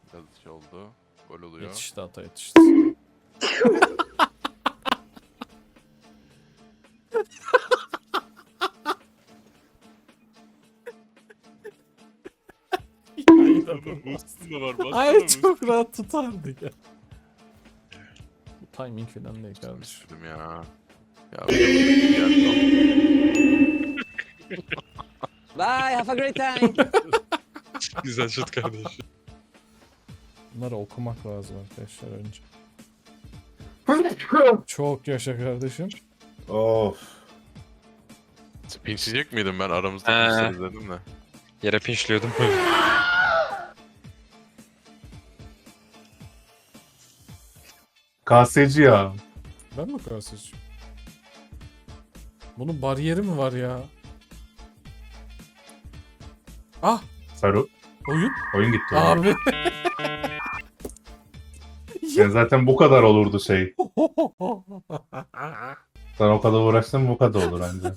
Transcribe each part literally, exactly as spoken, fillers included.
Biraz şey oldu. Gol oluyor. Yetişti ata yetişti. Ay çok rahat tutardı ya. Bu timing falan değil kardeşim. Dedim ya. Ya bir geldi. Bye, have a great time. Güzel şut kardeşim. Bunları okumak lazım arkadaşlar önce. Çok yaşa kardeşim. Of. Pinçleyecek miydim ben aramızda He. pinçleriz dedim de. Yere pinçliyordum. K S'ci ya. Ben mi karşıcıyım? Bunun bariyeri mi var ya? Ah! Saru. Oyun? Oyun gitti. Oyun. Abi. Yani zaten bu kadar olurdu şey. Sen o kadar uğraştın bu kadar olur anca.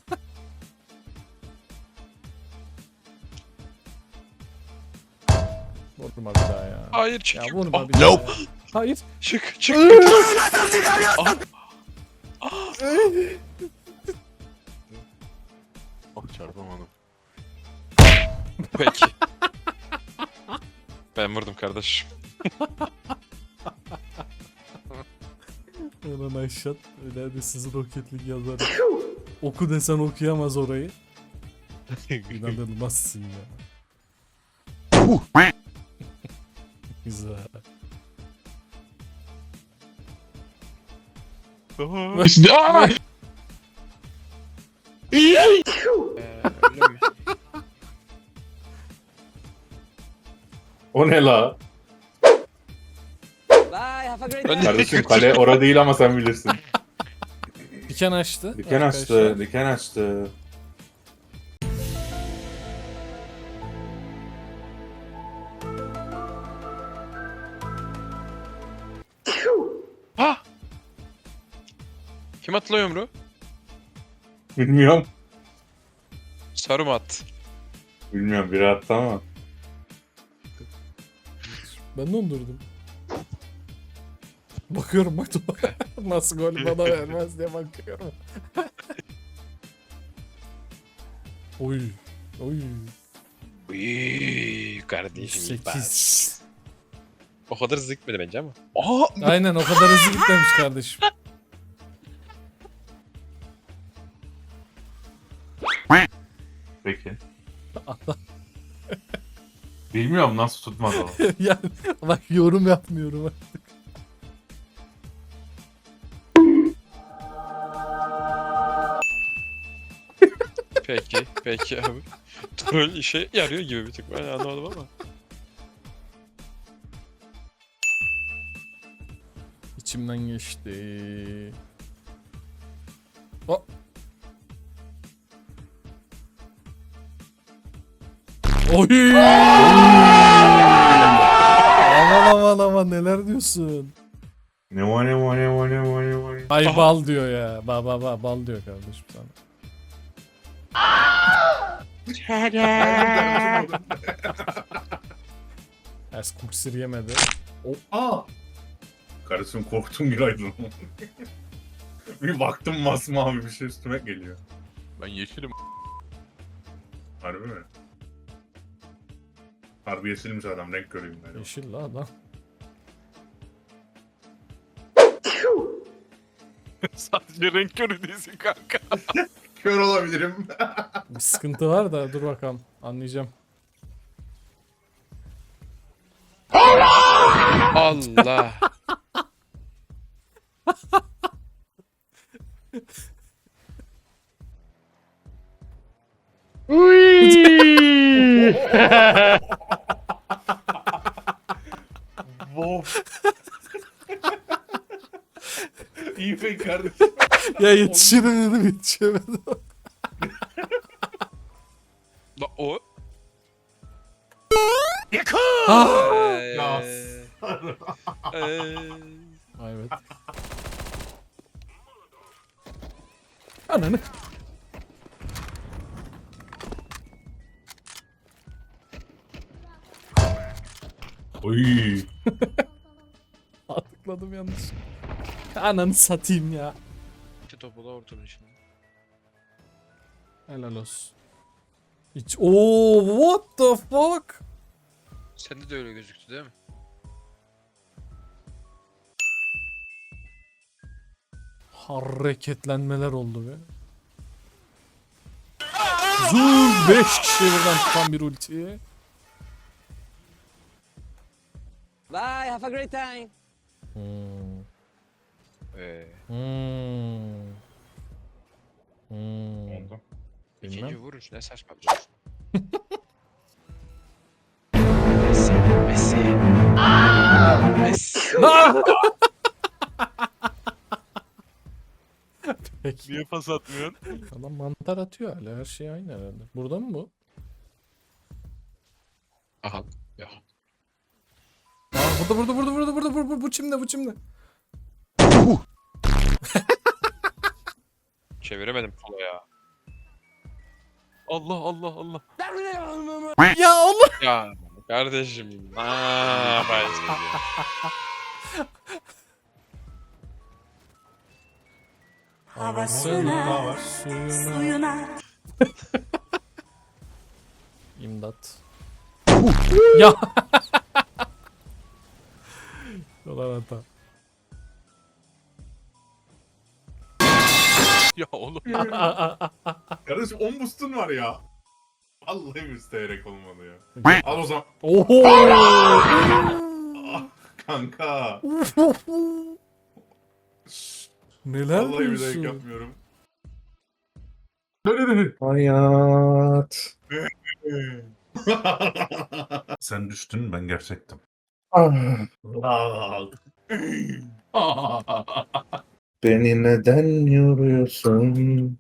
Vurma bir daha ya. Hayır Ya çık. vurma Ah, bir daha ya. Hayır. Çık çık. Oh çarpamadım. Peki. Ben vurdum kardeşim. Ulan Ayşat. Öyle de sizi roketlik yazar. Oku desen okuyamaz orayı. İnanılmazsın ya. Güzel. Aa! O ne la? Bye, have a great time. Kardeşim kale orada değil ama sen bilirsin. Diken açtı. Diken açtı, arkadaşlar. diken açtı. Ha! Kim attı lan yumruğu? Bilmiyorum. Sarı mı attı? Bilmiyorum biri attı ama. Ben dondurdum. Bakıyorum bak nasıl gol bana vermez diye bakıyorum. Oy. Oy. Uyyy kardeşim. sekiz. O kadar hızlı gitmedi bence ama. Aa! Aynen o kadar hızlı gitmemiş kardeşim. Peki. Bilmiyorum nasıl tutmadı o. Yani bak yorum yapmıyorum. Peki, peki abi. Troll işe yarıyor gibi bir tık. Ben anlamadım ama. İçimden geçti. O. Oy! Aman aman aman neler diyorsun? Ne var ne var ne var ne var ne var. Ay Aha. bal diyor ya. Ba ba ba bal diyor kardeşim sana. Ers kuksir yemedi. Aa! Kardeşim korktum bir aydın. Bir baktım masmavi bir şey üstüme geliyor. Ben yeşilim. Harbi mi? Harbi yeşilmiş adam renk göreyim ben. Yeşil la adam. Sadece renk körü değilsin kanka. Kör olabilirim. Bir sıkıntı var da dur bakalım anlayacağım. Allah. Wow. İyi be kardeşim. Ya yetişirim dedim yetişemedim. La o. Ah! Eee. Eee. Evet. Ananı. Oy. Tıkladım yanlış. Ananı satayım ya. İki topu da ortanın içinde. Helal olsun. Hiç... Oo, what the fuck? Sende de öyle gözüktü değil mi? Hareketlenmeler oldu be. Zoom beş kişi birden tutan bir ulti. Bye, have a great time. Hmm. Ee, Hmm. Hmm. Oldu. ikinci Bilmem. vuruş ne saçmalıyorsun? Messi, Messi. Messi. Peki. Niye pas atmıyorsun? Adam mantar atıyor hala. Her şey aynı herhalde. Burada mı bu? Aha. Ya. Aa, burada burada burada burada burada burada bu çimde bu çimde. Çeviremedim sola ya. Allah Allah Allah. Ya Allah. Ya kardeşim. Aaa ben sizi ya. Havasına, suyuna. Suyuna. İmdat. Ya. Dolar hata. Ya oğlum. Kardeşim on boost'un var ya. Vallahi müstehirek olmadı ya. Al o zaman. Oho. Ah, kanka. Şşş, Neler vallahi bir dakika diyorsun? yapmıyorum. Hayat. Sen düştün, ben gerçektim. Ah, beni neden yoruyorsun?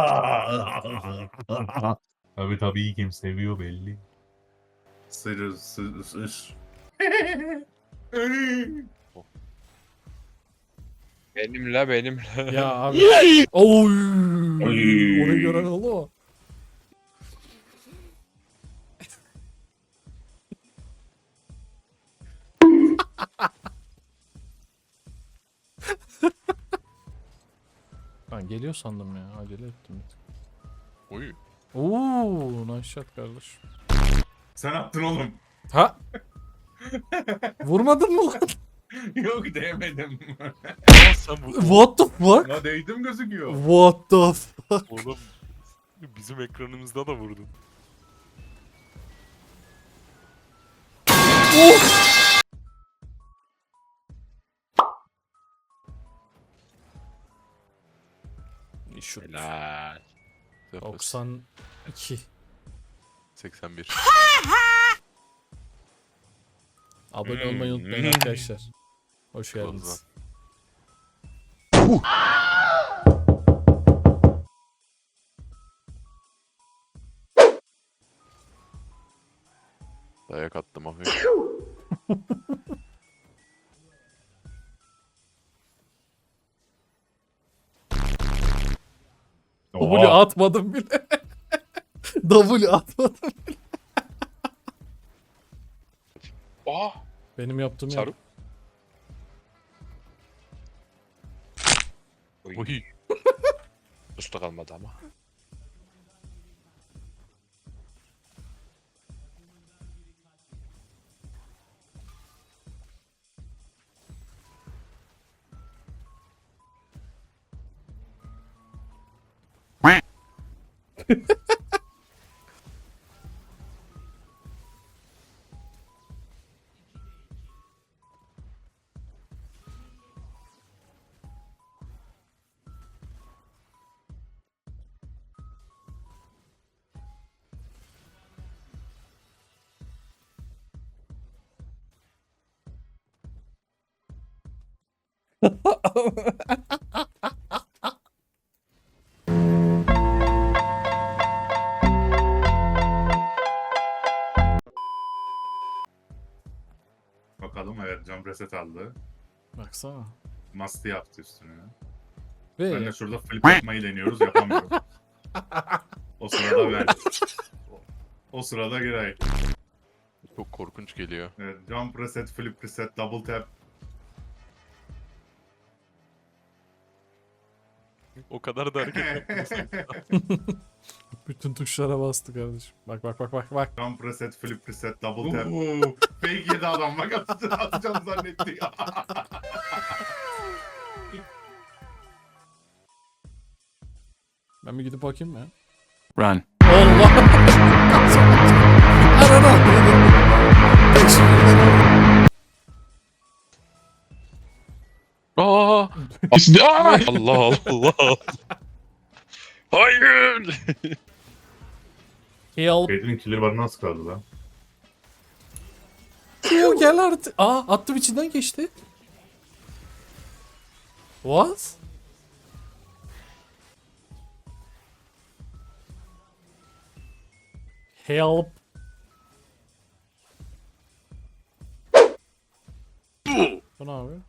Tabii tabii kim seviyor belli. Sır sır sır. Benimle benimle. Ya abi. Oy. Oy. Onu gören oldu mu? Ben geliyor sandım ya. Acele ettim bir tık. Oy. Oo, nice shot kardeş. Sen attın oğlum. Ha? Vurmadın mı lan? Yok değmedim. Ya sen bu. What the fuck? Ona değdim gözüküyor. What the fuck? Oğlum. Bizim ekranımızda da vurdun. Şu Helal. doksan iki. seksen bir. Abone olmayı unutmayın Hmm. arkadaşlar. Hoş Close geldiniz. Dayak attım abi. W atmadım bile. W atmadım. Aa. Benim yaptığım Sarı. yap. Oy. Oy. Usta kalmadı ama. Bakalım evet jump reset aldı. Baksana. Masti yaptı üstüne. Ve Ben de şurada flip yapmayı deniyoruz yapamıyorum. O sırada ver. O sırada Giray. Çok korkunç geliyor. Evet, jump reset, flip reset, double tap. O kadar da hareket yapmasın. Bütün tuşlara bastı kardeşim. Bak bak bak bak bak. Jump reset, flip reset, double tap. Oo, fake yedi adam bak atacağım, atacağım zannetti. Ben bir gidip bakayım ya. Run. Allah! Arada! Aa! Aa! Allah Allah. Hayır. Help! Kate'nin killer barı nasıl kaldı lan? Oo, gel artık. Aa, attım içinden geçti. What? Help. Bu ne abi?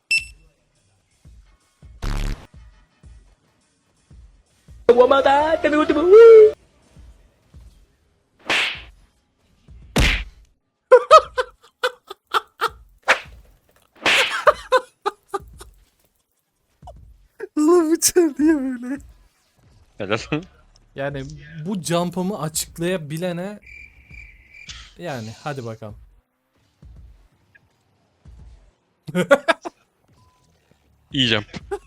Oğlum bıçak niye böyle? Helal. Yani bu jump'ımı açıklayabilene yani hadi bakalım. İyiyeceğim.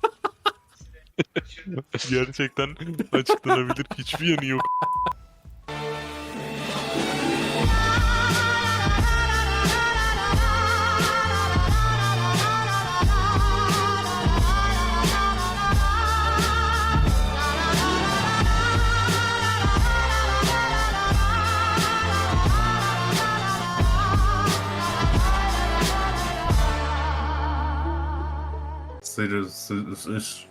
Gerçekten açıklanabilir hiçbir yanı yok. Sırı, sı, sı,